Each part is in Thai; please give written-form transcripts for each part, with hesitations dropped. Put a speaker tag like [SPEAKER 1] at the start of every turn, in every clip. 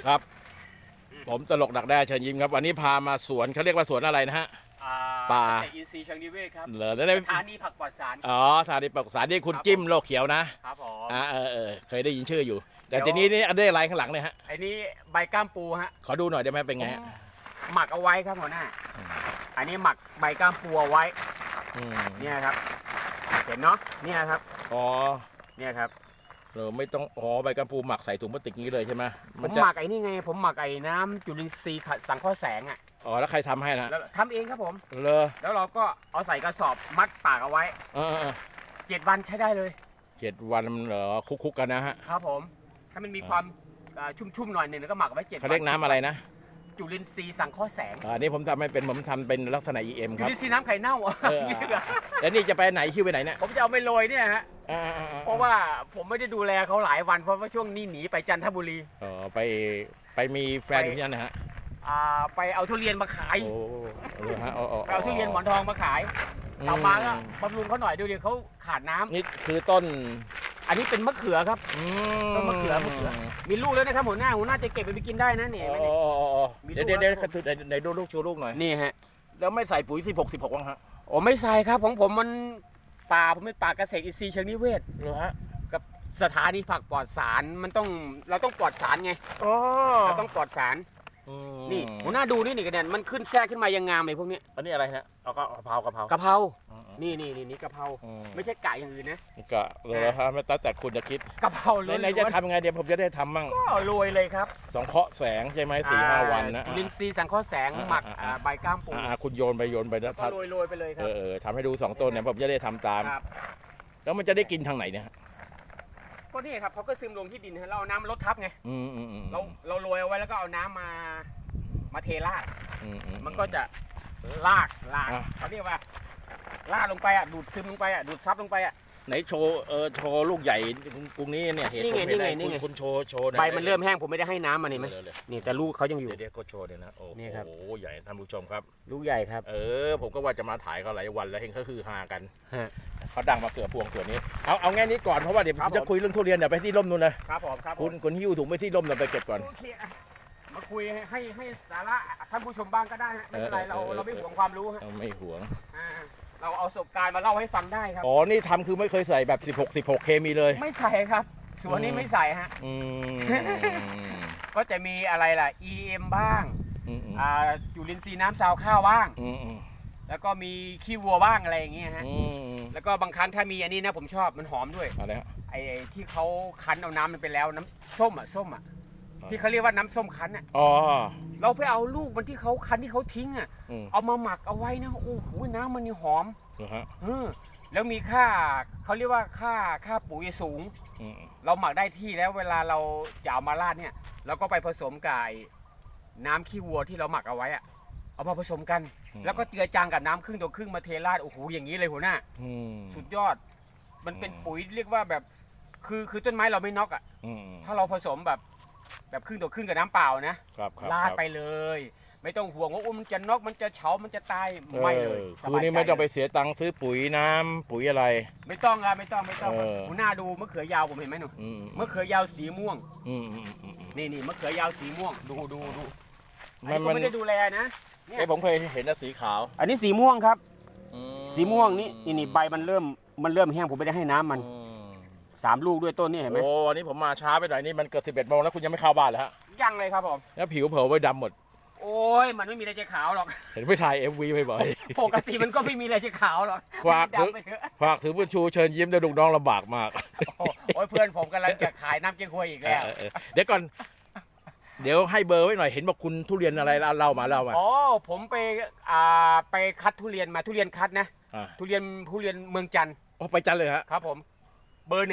[SPEAKER 1] ครับผมตลกดักแด้เชิญยิ้มครับวันนี้พามาสวนเขาเรียกว่าสวนอะไรนะฮะป่า
[SPEAKER 2] เกษตรอินทรีย์เชิงนิเวศครับ
[SPEAKER 1] เหรอ
[SPEAKER 2] สถานีผักปลอดสาร
[SPEAKER 1] อ๋อสถานีปลอดสารที่คุณจิ้มโลกเขียวนะครับ
[SPEAKER 2] ผม
[SPEAKER 1] เคยได้ยินชื่ออยู่ แต่ทีนี้นี่อันได้อะไรข้างหลังเนี่ยฮะ
[SPEAKER 2] ไอ้นี้ใบก้ามปูฮะ
[SPEAKER 1] ขอดูหน่อยได้ไหมเป็นไงฮะ
[SPEAKER 2] หมักเอาไว้ครับหัวหน้าอันนี้หมักใบก้ามปูเอาไว้เนี่ยครับเห็นเนาะเนี่ยครับ
[SPEAKER 1] อ๋อ
[SPEAKER 2] เนี่ยครับ
[SPEAKER 1] ไม่ต้องใบกัมปูหมักใส่ถุงพลาสติกนี้เลยใช่ไหม
[SPEAKER 2] ผมหมักไอ้นี่ไงผมหมักไอ้น้ำจุลินทรีย์สังเคราะห์แสงอ่ะ
[SPEAKER 1] อ๋อแล้วใครทำให้นะ
[SPEAKER 2] ทำเองครับผม
[SPEAKER 1] แล้ว
[SPEAKER 2] เราก็เอาใส่กระสอบมัดปากเอาไว้7 วันใช้ได้เลย
[SPEAKER 1] 7 วันเหรอคุกกันนะฮะ
[SPEAKER 2] ครับผมถ้ามันมีความชุ่มๆหน่อยหนึ่งแล้วก็หมักไว้7 วัน
[SPEAKER 1] เขาเรียกน้ำอะไรนะ
[SPEAKER 2] จุลินทรีย์สังเคราะห์แสง
[SPEAKER 1] อันนี้ผมทำไม่เป็นผมทำเป็นลักษณะ EM ครับ
[SPEAKER 2] จุลินทรีย์น้ำไข่เน่า
[SPEAKER 1] แล้วนี่จะไปไหนคิวไปไหนเนี่ย
[SPEAKER 2] ผมจะเอาไปโรยเนี่ยฮะเพราะว่าผมไม่ได้ดูแลเขาหลายวันเพราะว่าช่วงนี้หนีไปจันทบุรี
[SPEAKER 1] ไปมีแฟนอยู่ที่นั่นนะฮะ
[SPEAKER 2] ไปเอาทุเรียนมาขายเอาทุเรียนหมอนทองมาขายกลับมาก็บำรุงเขาหน่อยดูดิเขาขาดน้ำ
[SPEAKER 1] นี่คือต้น
[SPEAKER 2] อันนี้เป็นมะเขือครับต้นมะเขือมีลูกแล้วนะครับหัวหน้าจะเก็บไปกินได้นะเนี่ย
[SPEAKER 1] เดี๋ยวไหนดูลูกชูลูกหน่อย
[SPEAKER 2] นี่ฮะ
[SPEAKER 1] แล้วไม่ใส่ปุ๋ย16บ้างฮะ
[SPEAKER 2] โอ้ไม่ใส่ครับของผมมันผมเป็นป่าเกษตรอินทรีย์เชิงนิเวศ
[SPEAKER 1] เหรอฮะ
[SPEAKER 2] กับสถานีผักปลอดสารเราต้องปลอดสารไงเราต้องปลอดสารนี่หัวหน้าดูนี่กระเด็นมันขึ้นแทรกขึ้นมายังงามเลยพวกนี้
[SPEAKER 1] อันนี้อะไรฮะเอากะเพรากะเพรา
[SPEAKER 2] นี่กะเพราไม่ใช่ไก่อย่างอื่นนะ
[SPEAKER 1] กะเลยฮะไม่แต่คุณจะคิด
[SPEAKER 2] กะเพราเลย
[SPEAKER 1] ไหนจะทำยังไงเดี๋ยวผมจะได้ทำมั่ง
[SPEAKER 2] ก็โรยเลยครับ
[SPEAKER 1] สังเคราะห์แสงใช่ไหม4-5 วันนะ
[SPEAKER 2] จุลินทรีย์สังเคราะห์แสงหมักใบก้ามปู
[SPEAKER 1] คุณโยนไปแล้ว
[SPEAKER 2] ก็โรยไปเลยครับ
[SPEAKER 1] ทำให้ดู2 ต้นเนี่ยผมจะได้ทำตามแล้วมันจะได้กินทางไหนเนี่ย
[SPEAKER 2] ก็นี่ครับเขาก็ซึมลงที่ดินเราเอาน้ำลดทับไงเราโรยเอาไว้แล้วก็เอาน้ำมาเทราดมันก็จะลากเขาเรียกว่าลาดลงไปดูดซึมลงไปดูดซับลงไป
[SPEAKER 1] ไหนโชว์ลูกใหญ่กรุงนี้เนี่ยเห็นคุณโชว์
[SPEAKER 2] ใบมันเริ่มแห้งผมไม่ได้ให้น้ำมันนี่ไหมนี่แต่ลูกเขายังอยู่
[SPEAKER 1] เดี๋ยวก็โชว์เดี๋ยวนะโอ้โหใหญ่ท่านผู้ชมครับ
[SPEAKER 2] ลูกใหญ่ครับ
[SPEAKER 1] ผมก็ว่าจะมาถ่ายเขาหลายวันแล้วเห็นเขาคือหากันเขาดังมาเกือบพวงส่วนนี้เอาแง่นี้ก่อนเพราะว่าเดี๋ยวผมจะคุยเรื่องทุเรียนเดี๋ยวไปที่ร่มนู่นเลย
[SPEAKER 2] ครับผม
[SPEAKER 1] คุณหิ้วถุงไปที่ร่มเดี๋ยวไปเก็บก่อน
[SPEAKER 2] มาคุยให้สาระท่านผู้ชมบ้างก็ได้ไม่เป็นไรเราไม่หวงความรู้
[SPEAKER 1] ไม่หวง
[SPEAKER 2] เราเอาประสบการณ์มาเล่าให้ฟังได้ครับ
[SPEAKER 1] นี่ทำคือไม่เคยใส่แบบ16เคมีเลย
[SPEAKER 2] ไม่ใส่ครับส่วนนี้ไม่ใส่ฮะก็จะมีอะไรล่ะ EM บ้างจุลินทรีย์น้ำซาวข้าวบ้างแล้วก็มีขี้วัวบ้างอะไรอย่างเงี้ยฮะแล้วก็บางครั้งถ้ามีอันนี้นะผมชอบมันหอมด้วย
[SPEAKER 1] อะไรฮะ
[SPEAKER 2] ไอ้ที่เขาคั้นเอาน้ำมันไปแล้วน้ำส้มที่เขาเรียกว่าน้ำส้มคั้นเราไปเอาลูกมันที่เขาคั้นที่เขาทิ้งเอามาหมักเอาไว้นะโอ้โหน้ำมันนี่หอมแล้วมีค่าเขาเรียกว่าค่าปุ๋ยสูงเราหมักได้ที่แล้วเวลาเราจะเอามาราดเนี่ยเราก็ไปผสมกับน้ำขี้วัวที่เราหมักเอาไว้เอามาผสมกันแล้วก็เจือจางกับน้ำครึ่งต่อครึ่งมาเทราดโอ้โหอย่างนี้เลยหัวหน้าสุดยอดมันเป็นปุ๋ยเรียกว่าแบบคือต้นไม้เราไม่น็อกถ้าเราผสมแบบครึ่งต่อครึ่งกับน้ำเปล่านะราดไปเลยไม่ต้องห่วงว่ามันจะน็อกมันจะเฉามันจะตายไม่เลย
[SPEAKER 1] คือนี่ไม่ต้องไปเสียตังค์ซื้อปุ๋ยน้ำปุ๋ยอะไร
[SPEAKER 2] ไม่ต้องครับไม่ต้องหัวหน้าดูมะเขือยาวผมเห็นไหมหนูมะเขือยาวสีม่วงนี่มะเขือยาวสีม่วงดูมันไม่ได้ดูแลนะ
[SPEAKER 1] ผมเคยเห็นแต่สีขาว
[SPEAKER 2] อันนี้สีม่วงครับสีม่วงนี่ใบมันเริ่มแห้งผมไม่ได้ให้น้ำมัน3 ลูกด้วยต้นนี่เห็นไหม
[SPEAKER 1] วันนี้ผมมาช้าไปหน่อยนี่มันเกิด11 โมงแล้วคุณยังไม่เข้าบ้านเลยฮะ
[SPEAKER 2] ยังเลยครับผม
[SPEAKER 1] แล้วผิวเผลอไว้ดำหมด
[SPEAKER 2] โอ้ยมันไม่มีอะไรจะขาวหรอก
[SPEAKER 1] เห็นไปถ่าย MV บ่อย
[SPEAKER 2] ปกติมันก็ไม่มีอะไรจะขาวหรอก
[SPEAKER 1] ฝากถือบุญชูเชิญยิ้มแต่ลูกน้องลำบากมาก
[SPEAKER 2] โอ้ยเพื่อนผมกำลังจะขายน้ำเก๊กฮวยอีกแล้ว
[SPEAKER 1] เดี๋ยวก่อนเดี๋ยวให้เบอร์ไว้หน่อยเห็นบอกคุณทุเรียนอะไรเล่ามา
[SPEAKER 2] ผมไปคัดทุเรียนมาทุเรียนคัดนะทุเรียนเมืองจันทร์
[SPEAKER 1] ไปจันทร์เลยฮะ
[SPEAKER 2] ครับผมเบอร์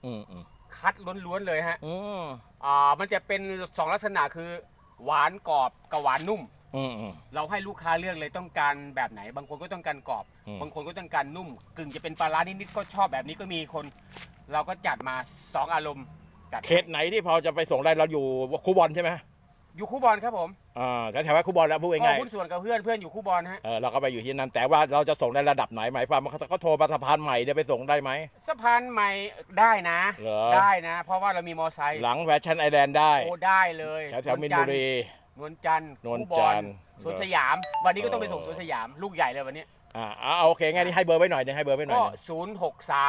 [SPEAKER 2] 1คัดล้วนๆเลยฮะมันจะเป็น2ลักษณะคือหวานกรอบกับหวานนุ่มเราให้ลูกค้าเลือกเลยต้องการแบบไหนบางคนก็ต้องการกรอบบางคนก็ต้องการนุ่มกึ่งจะเป็นปลาร้านิดๆก็ชอบแบบนี้ก็มีคนเราก็จัดมา2 อารมณ์
[SPEAKER 1] เขตไหนที่พอจะไปส่งได้เราอยู่คูบอลใช่ไหม
[SPEAKER 2] อยู่คู่บอลครับผม
[SPEAKER 1] แถวๆว่าครูบอลแล้วพูด
[SPEAKER 2] ก็
[SPEAKER 1] ง่าย
[SPEAKER 2] หุ้นส่วนกับเพื่อนอยู่คู่บอลฮะ
[SPEAKER 1] เราก็ไปอยู่ที่นั่นแต่ว่าเราจะส่งในระดับไหนหมายความว่าเขาโทรมาสะพานใหม่เดี๋ยวไปส่งได้ไหม
[SPEAKER 2] สะพานใหม่ได้นะ
[SPEAKER 1] เหรอ
[SPEAKER 2] ได้นะ เพราะว่าเรามีมอไซค์
[SPEAKER 1] หลังแฟชั่นไอแลนด์ได้
[SPEAKER 2] โอ้ได้เลย
[SPEAKER 1] แถวๆมินบุรี
[SPEAKER 2] นวลจันทร์
[SPEAKER 1] นวล
[SPEAKER 2] คู่บอ
[SPEAKER 1] จั
[SPEAKER 2] ล
[SPEAKER 1] นทร์
[SPEAKER 2] สวนสยาม วันนี้ก็ต้องไปส่งสวนสยามลูกใหญ่เลยวันนี้
[SPEAKER 1] โอเคงั้นนี่ให้เบอร์ไว้หน่อยนึงให้เบอร์ไว้หน่อย
[SPEAKER 2] ก็
[SPEAKER 1] นึง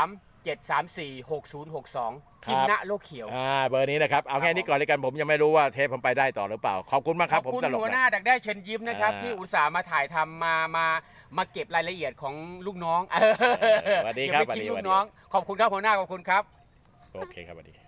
[SPEAKER 2] 063-734-6062
[SPEAKER 1] ครับ
[SPEAKER 2] กินนะโลกเขียว
[SPEAKER 1] เบอร์นี้นะครับเอาแค่นี้ก่อนเลยกันผมยังไม่รู้ว่าเทปผมไปได้ต่อหรือเปล่าขอบคุณมากค
[SPEAKER 2] ข
[SPEAKER 1] รั
[SPEAKER 2] อ
[SPEAKER 1] บบ ผม
[SPEAKER 2] คุณ
[SPEAKER 1] ตลก
[SPEAKER 2] หัวห
[SPEAKER 1] นะ
[SPEAKER 2] น้าดักได้เชิญยิ้มนะครับ
[SPEAKER 1] อ่า
[SPEAKER 2] ที่อุตส่าห์มาถ่ายทำมาเก็บรายละเอียดของลูกน้อง
[SPEAKER 1] สวัสดีครับ
[SPEAKER 2] เก็บไว้ทิ้ง
[SPEAKER 1] สวัสดี
[SPEAKER 2] ลูกน้อง ขอบคุณครับหัวหน้าขอบคุณครับ
[SPEAKER 1] โอเคครับสวัสดี